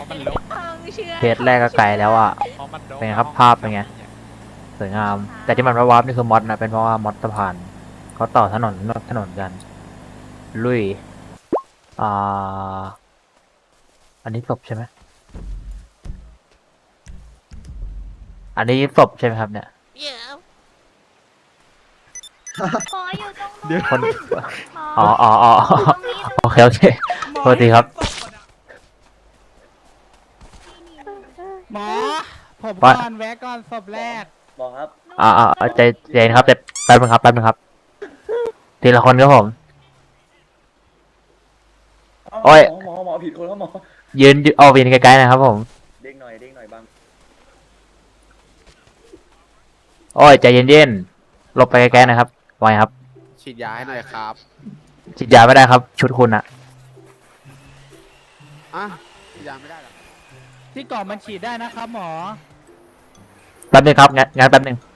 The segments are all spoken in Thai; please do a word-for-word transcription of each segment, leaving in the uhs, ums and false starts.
มันลกเคสแรกก็ไกลแล้วอ่ะเพราะมันลกเป็นไงครับภาพเป็นไง สวยงาม แต่ที่มันวาร์ปนี่คือมอดนะเป็นเพราะว่ามอดสะพานเขาต่อถนนถนนกัน ลุยอ่าอันนี้ศพใช่ไหมอันนี้ศพใช่ไหมครับเนี่ยหมออยู่ตรงนู้นเดี๋ยวคนหมอ๋อออ๋ออ๋อตรงนี้โอเคโอเคโทษทีครับหมอ ผมว่าก่อนแวะก่อนศพแรกบอกครับอ่าอ่าใจเย็นครับแต่แป๊บนึงครับแป๊บนึงครับ ทีละคนครับผม โอ้ยหมอหมอหมอผิดคนแล้วหมอยืนเอาวินไกลๆนะครับผมเด้งหน่อยเด้งหน่อยบังโอ้ยใจเย็นๆหลบไปไกลๆนะครับไว้ครับฉีดยาให้หน่อยครับฉีดยาไม่ได้ครับ ชุดคุณอะอ่ะฉีดยาไม่ได้หรอที่กล่องมันฉีดได้นะครับหมอแป๊บนึงครับงั้นงั้นแป๊บนึง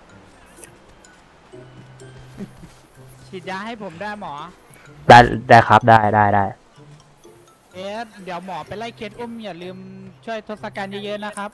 ฉีดยาให้ผมได้หมอได้ได้ครับได้ได้ได้เอสเดี๋ยวหมอไปไล่เคสอุ้มอย่าลืมช่วยทศกัณฐ์เยอะๆนะครับ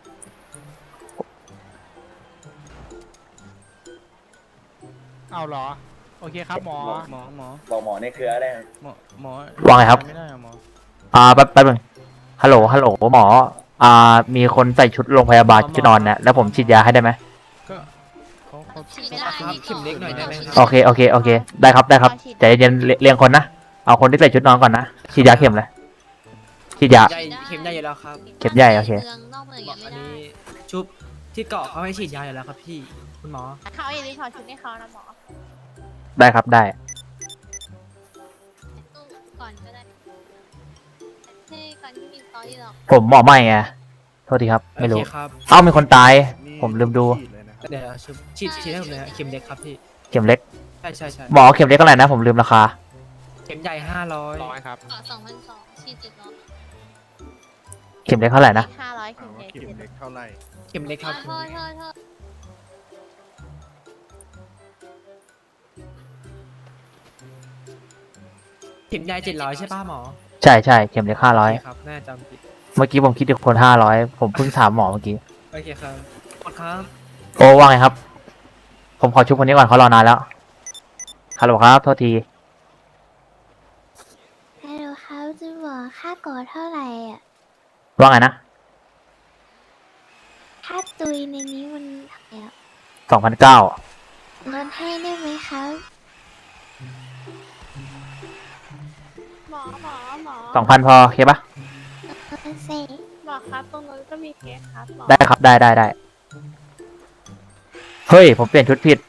เอาเหรอ โอเคครับหมอหมอหมอบอกหมอในเครือได้หมอหมอว่าไงครับไม่ได้อะหมออ่าแป๊บแป๊บนึงฮัลโหลฮัลโหลหมอ อ่า มีคนใส่ชุดโรงพยาบาลชุดนอนเนี่ยแล้วผมฉีดยาให้ได้ไหมก็เขาเขาฉีดไม่ได้ครับเข็มเล็กหน่อยได้ไหมครับโอเคโอเคโอเคได้ครับได้ครับใจเย็นๆเรียเรียงคนนะเอาคนที่ใส่ชุดนอนก่อนนะฉีดยาเข็มเลยฉีดยาใหญ่เข็มใหญ่อยู่แล้วครับเข็มใหญ่โอเคเมืองนอกเมืองหมยัองไม่อันได้นี้ชุบที่เกาะเขาให้ฉีดยาอยู่แล้วครับพี่คุณหมอเขาอย่าลืมถอดชุดให้เขานะหมอได้ครับได้ตู้ก่อนก็ได้ให้ก่อนที่มีสตอรี่หรอกผมหมอใหม่ไงโทษทีครับไม่รู้โอเคครับเอ้ามีคนตาย ผมลืมดูเดี๋ยวชุบฉีดฉีดให้ผมเลยฮะเข็มเล็กครับพี่เข็มเล็กใช่ใช่ใช่หมอเข็มเล็กเท่าไหร่นะผมลืมราคาเข็มใหญ่ห้าร้อยร้อยครับเกาะสองพันสองฉีดเจ็ดร้อยเข็มเล็กเท่าไหร่นะห้าร้อยเข็มเจ็ดเข็มเล็กเท่าไหร่เข็มเล็กครับโทษโทษโทษเข็มใหญ่เจ็ดร้อยใช่ป่ะหมอใช่ใช่เข็มเล็กห้าร้อยโอเคครับน่าจำผิดเมื่อกี้ผมคิดถึงคนห้าร้อยผมเพิ่งถามหมอเมื่อกี้โอเคครับหมดครับโอ้ว่าไงครับ ผมขอชุบคนนี้ก่อนเขารอนานแล้วฮัลโหลครับโทษทีฮัลโหลครับจะบอกค่าก่อเท่าไหร่อ่ะว่าไงนะค่าตุยในนี้มันเท่าไหร่อะสองพันเก้าลดให้ได้ไหมครับหมอหมอหมอสองพันพอโอเคปะเออเซ่หมอครับตรงนู้นก็มีเคสครับหมอได้ครับได้ได้ได้เฮ้ยผมเปลี่ยนชุดผิด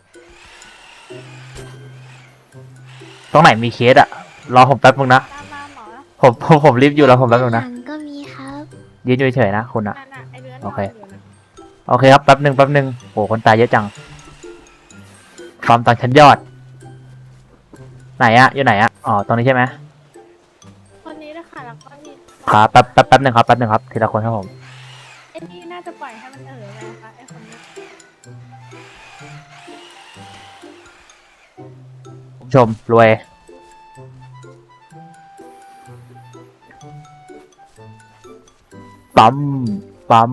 ตรงไหนมีเคสอะรอผมแป๊บนึงนะตามมาหมอผมผมผมรีบอยู่แล้วผมแป๊บนึงนะหลังก็มีครับยืนอยู่เฉยๆนะคุณอะนั่นน่ะไอเรือนโอเคนนยู่นะโอเคครับแป๊บนึงแป๊บนึงโหคนตายเยอะจังฟาร์มตังชั้นยอด ไหนอะอยู่ไหนอะอ๋อตรงนี้ใช่ไหมคนนี้นะคะแล้วก็มีครับแป๊บแป๊บแป๊บนึงครับแป๊บนึงครับทีละคนครับผมไอ้นี่น่าจะปล่อยให้มันเออไปนะคะไอ้คนนี้คุณผู้ชมรวยปั๊มปั๊ม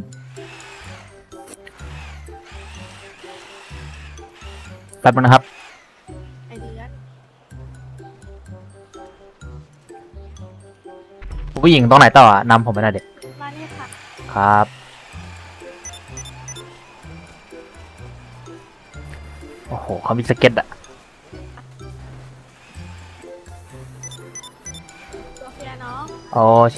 แป๊บนึงนะครับไอเรือนผู้หญิงตรงไหนต่ออะนำผมไปหน่อยเด็กมานี่ค่ะครับ โอ้โหเขามีสเก็ตอะตัวเฟียน้องโอเค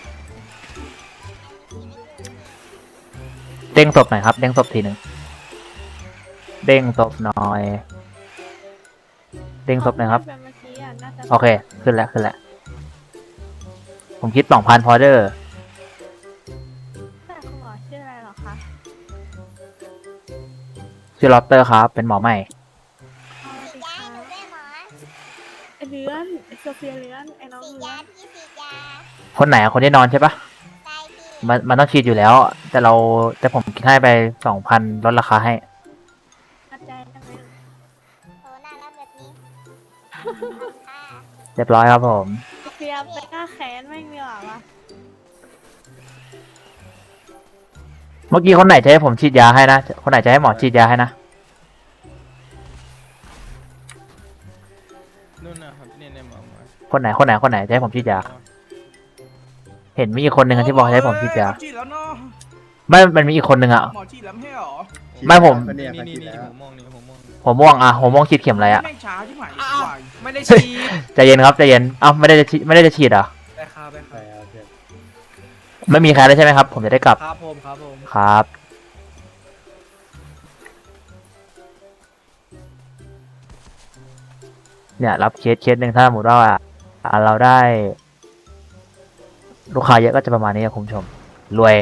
เด้งศพหน่อยครับ เด้งศพทีหนึ่งเด้งศพหน่อย เด้งศพหน่อยครับเมื่อกี้อ่ะน่าจะโอเค ขึ้นแล้วขึ้นแล้ว ผมคิดสองพันพอเดอร์แต่คุณหมอชื่ออะไรเหรอคะชื่อลอตเตอร์ครับ เป็นหมอใหม่อ๋อสวัสดีค่ะไอเรือนไอโซเฟียเรือนไอน้องเรือนคนไหนอะคนที่นอนใช่ปะมันมันต้องฉีดอยู่แล้ว แต่เราแต่ผมคิดให้ไปสองพันลดราคาให้กระจายจังเลยเรียบร้อยครับผมโซเฟียไปกล้าแขนไม่มีหรอวะเมื่อกี้คนไหนจะให้ผมฉีดยาให้นะคนไหนจะให้หมอฉีดยาให้นะนู่นนะครับเนี่ยเนี่ยหมอหมอคนไหนคนไหนคนไหนจะให้ผมฉีดยา เห็นมีอีกคนหนึ่งอะที่บอกให้ผมฉีดยาฉีดแล้วเนาะไม่มันมีอีกคนหนึ่งอะหมอฉีดแล้วไม่ใช่หรอไม่ผมเนี่นี่ยนี่ฉีดนี่แล้วหัวม่วงนี่หัวม่วงหัวม่วงอะหัวม่วงฉีดเข็มอะไรอะแม่งช้าใช่ไหมอ้าววายไม่ได้ฉีดใจเย็นครับใจเย็นเอ้าไม่ได้จะฉีดไม่ได้จะฉีดเหรอไปครับไปคไปรับเอาเพื่อนไม่มีใครแล้วใช่ไหมครับ ผมจะได้กลับครับผมครับผมครับ เนี่ยรับเคสเคสหนึ่งถ้าสมมติว่าอ่าเราได้ ลูกค้าเยอะก็จะประมาณนี้ครับคุณผู้ชม รวย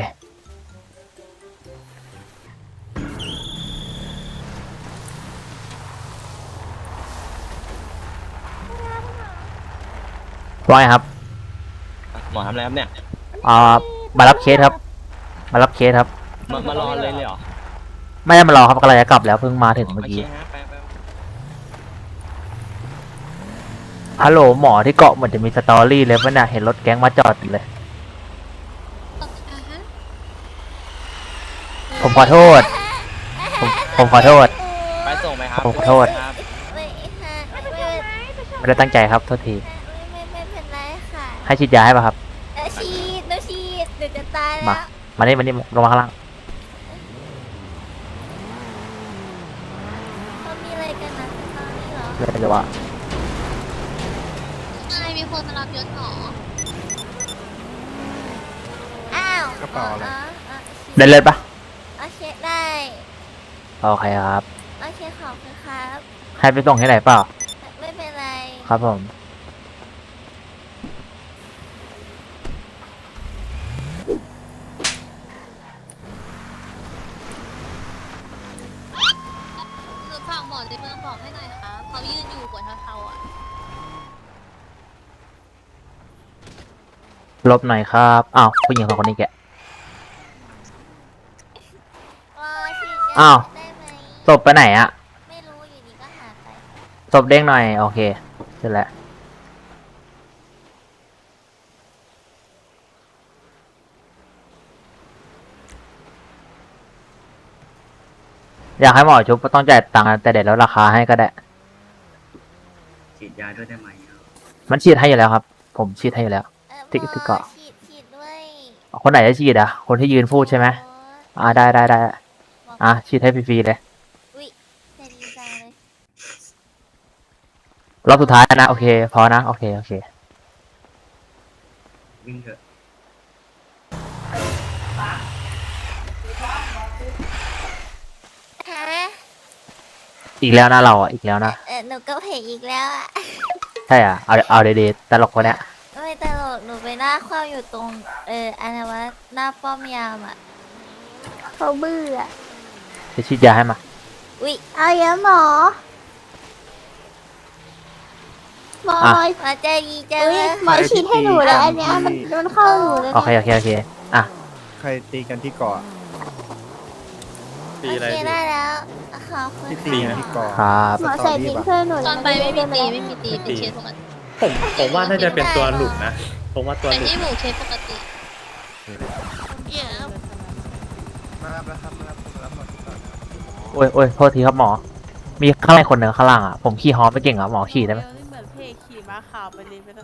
ว่าไงครับหมอทำอะไรครับเนี่ยอ่ามารับเคสครับ มารับเคสครับมามารอเลยเลยเหรอไม่ได้มารอครับกำลังจะกลับแล้วเพิ่งมาถึงเมื่อโอเคกี้ฮะไปไปฮัลโหลหมอที่เกาะเหมือนจะมีสตอรี่เลยว่าน่ะเห็นรถแก๊งมาจอดอยู่เลย ผมขอโทษ ผมผมขอโทษไปส่งไหมครับผมขอโทษครับไม่ค่ะไม่ไม่ไม่ได้ตั้งใจครับโทษทีไม่ไม่เป็นไรค่ะให้ฉีดยาให้ป่ะครับเออฉีดหนูฉีดหนูจะตายมาแล้วมานี่มานี่ลงมาข้างล่างเขามีอะไรกันนะตอนนี้เหรอเดี๋ยวจะว่านายมีคนมารับยศหรออ้าวกระเป๋าอะไรได้เลยปะโอเคได้โอเคครับโอเคขอบคุณครับให้ไปส่งที่ไหนเปล่าไม่เป็นไรครับผมหนูฝากหมอในเมืองบอกให้หน่อยค่ะเขายืนอยู่กว่าเทาๆอ่ะลบหน่อยครับอ้าวผู้หญิงสองคนนี้แกะว้าฉีดยาอ้าวได้ไหมศพไปไหนอะไม่รู้อยู่ดีก็หายไปศพเด้งหน่อยโอเคเสร็จแล้วอยากให้หมอชุบก็ต้องจ่ายตังค์แต่เดี๋ยวลดราคาให้ก็ได้ฉีดยาด้วยได้ไหมมันฉีดให้อยู่แล้วครับ ผมฉีดให้อยู่แล้วเออติ๊กหมอติ๊กเกาะฉีดฉีดด้วยคนไหนจะฉีดอ่ะ คนที่ยืนพูดใช่ไหมอ่าได้ได้ได้อ่ะฉีดให้ฟรีๆเลยอุ้ยใจดีจังเลยรอบสุดท้ายนะ โอเค พอนะ โอเค โอเควิ่งเถอะฮะอีกแล้วนะเราอ่ะ อีกแล้วนะเออหนูก็เพจอีกแล้วอ่ะใช่อ่ะ เอาเอาเดๆตลกคนเนี้ยไม่ตลกหนูไปหน้าคว่ำอยู่ตรง เอออะไรวะหน้าป้อมยามอ่ะเขาเบื่อจะฉีดยาให้มาอุ้ยเอาเยอะหมอหมออ่ะหมอใจดีจังเลยหมอฉีดให้หนูแล้วอันเนี้ยมันมันเข้าหนูเลยโอเค โอเค โอเค อ่ะใครตีกันที่เกาะโอเคได้แล้วขอบคุณที่ตีกันที่เกาะครับหมอใส่บินเพื่อนหนูตอนไปไม่มีตีไม่มีตีเป็นเคสปกติผมผมว่าน่าจะเป็นตัวหลุดนะแต่ที่หมู่เคสปกติเยอะมารับแล้วครับมารับมารับหมดทุกคนโอ้ยโอ้ยโทษทีครับหมอ มีข้างในคนหนึ่งข้างล่างอ่ะ ผมขี่ฮอไม่เก่งอ่ะ หมอขี่ได้ไหมเหมือนเพขี่ม้าขาวไปเลยไปแล้ว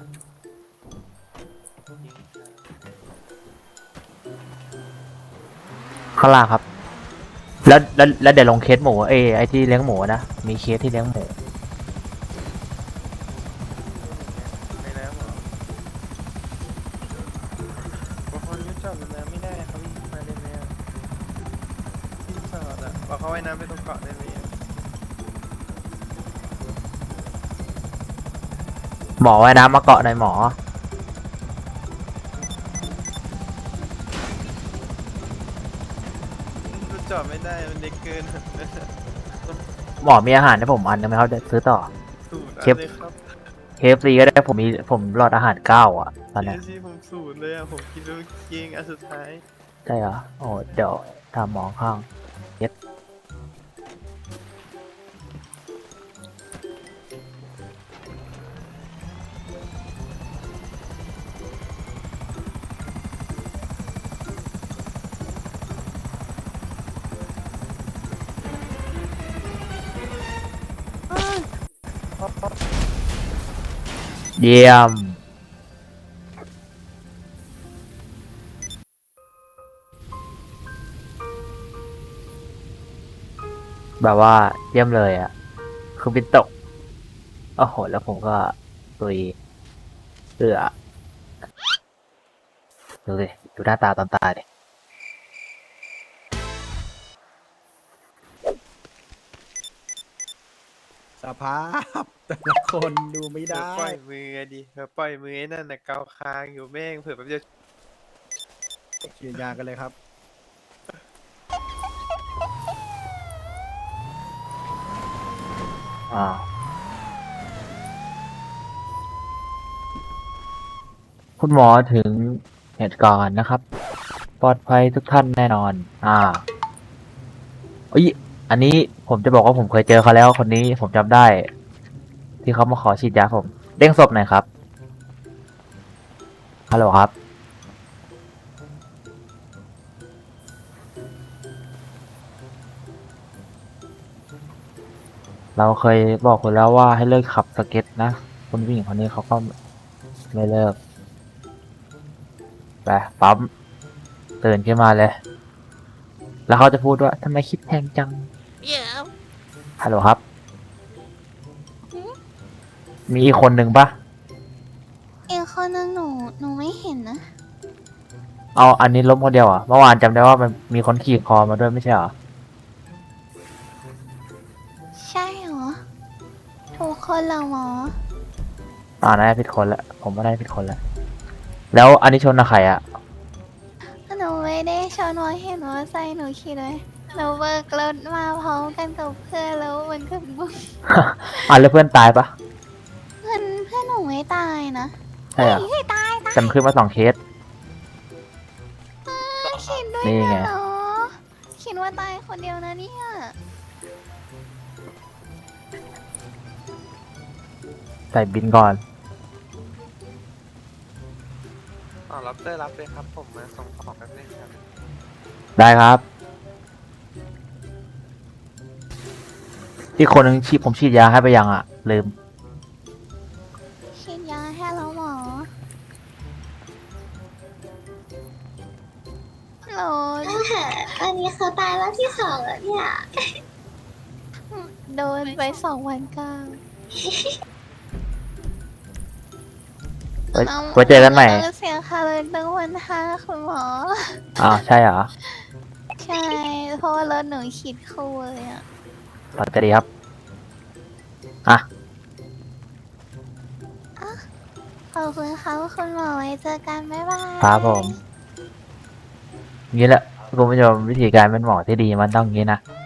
ข้างล่างครับ แล้วแล้วแล้วเดี๋ยวลงเคสหมู เอยไอที่เลี้ยงหมูนะ มีเคสที่เลี้ยงหมูไม่แล้วเหรอบอกเขายุดจอดบนน้ำไม่ได้เขาวิ่งมาได้ไหมอ่ะที่จอดอ่ะบอกเขาไว้น้ำไปตรงเกาะได้ไหมอ่ะหมอว่ายน้ำมาเกาะหน่อยหมอยุดจอดไม่ได้มันเล็กเกินหมอมีอาหารให้ผมอันนึงไหมครับเดี๋ยวซื้อต่อสูตรเก็บเลยครับเคฟซีก็ได้ผมมีผมรอดอาหารเก้าอ่ะตอนเนี้ยที่ผมสูตรเลยอ่ะผมคิดว่าเก่งอันสุดท้ายใช่เหรอ โอ้เดี๋ยวถามหมอข้างเย็ดเยี่ยม แบบว่าเยี่ยมเลยอ่ะ คือบินตก โอ้โห แล้วผมก็ตุยเอือดูสิ ดูหน้าตาตอนตายดิสภาพแต่ละคนดูไม่เผื่อได้ปล่อยมืออะดิเผื่อปล่อยมือไอ้นั่นน่ะเกาคางอยู่แม่งเผื่อแป๊บเดียวฉีดยากันเลยครับอ่า คุณหมอถึงเหตุการณ์นะครับ ปลอดภัยทุกท่านแน่นอน อ่าเอ้ย อันนี้ผมจะบอกว่าผมเคยเจอเขาแล้วคนนี้ผมจำได้ ที่เขามาขอฉีดยาผม เด้งศพหน่อยครับ ฮัลโหลครับ เราเคยบอกคุณแล้วว่าให้เลิกขับสเก็ตนะคุณผู้หญิงคนนี้เขาก็ไม่เลิก ไปปั๊มตื่นขึ้นมาเลย แล้วเขาจะพูดว่าทำไมคิดแพงจังเดี๋ยวฮัลโหลครับ มีอีกคนหนึ่งปะอีกคนนึงหนูหนูไม่เห็นนะเอาอันนี้ล้มคนเดียวอ่ะ เมื่อวานจำได้ว่ามันมีคนขี่คอมาด้วยไม่ใช่เหรอใช่เหรอ ทุกคนเหรอหมออ่าน่าจะผิดคนละ ผมไม่ได้ผิดคนละ แล้วอันนี้ชนกับใครอ่ะหนูไม่ได้ชนว่าเห็นว่าใส่หนูขี่เลยหนูเบิกรถมาพร้อมกันกับเพื่อนแล้วมันก็บุ้มอ่ะแล้วเพื่อนตายปะเพื่อนเพื่อนหนูไม่ตายนะใช่เหรอเฮ้ยตายตายแต่มันขึ้นมาสองเคสคิดด้วยนี่ไงนะเหรอคิดว่าตายคนเดียวนะเนี่ยใส่บินก่อนอ๋อรับเตอร์รับเลยครับผมมาส่งของแป๊บนึงครับได้ครับ ที่คนหนึงฉีดผมฉีดยาให้ไปยังอ่ะ ลืมฉีดยาให้แล้วหมอโหลอันนี้เขาตายแล้วที่สองแล้วเนี่ยโดนไปสองวันเก้าไว้ไว้เจอกันใหม่ต้องเสียค่าเลยตั้งวันห้าคุณหมออ้าวใช่เหรอใช่ เพราะว่ารถหนูขีดคู่เลยอ่ะต่อจะดีครับ อ่ะขอบคุณครับคุณหมอไว้เจอกันบ๊ายบายครับผมงี้แหละคุณผู้ชมวิธีการเป็นหมอที่ดีมันต้องงี้นะ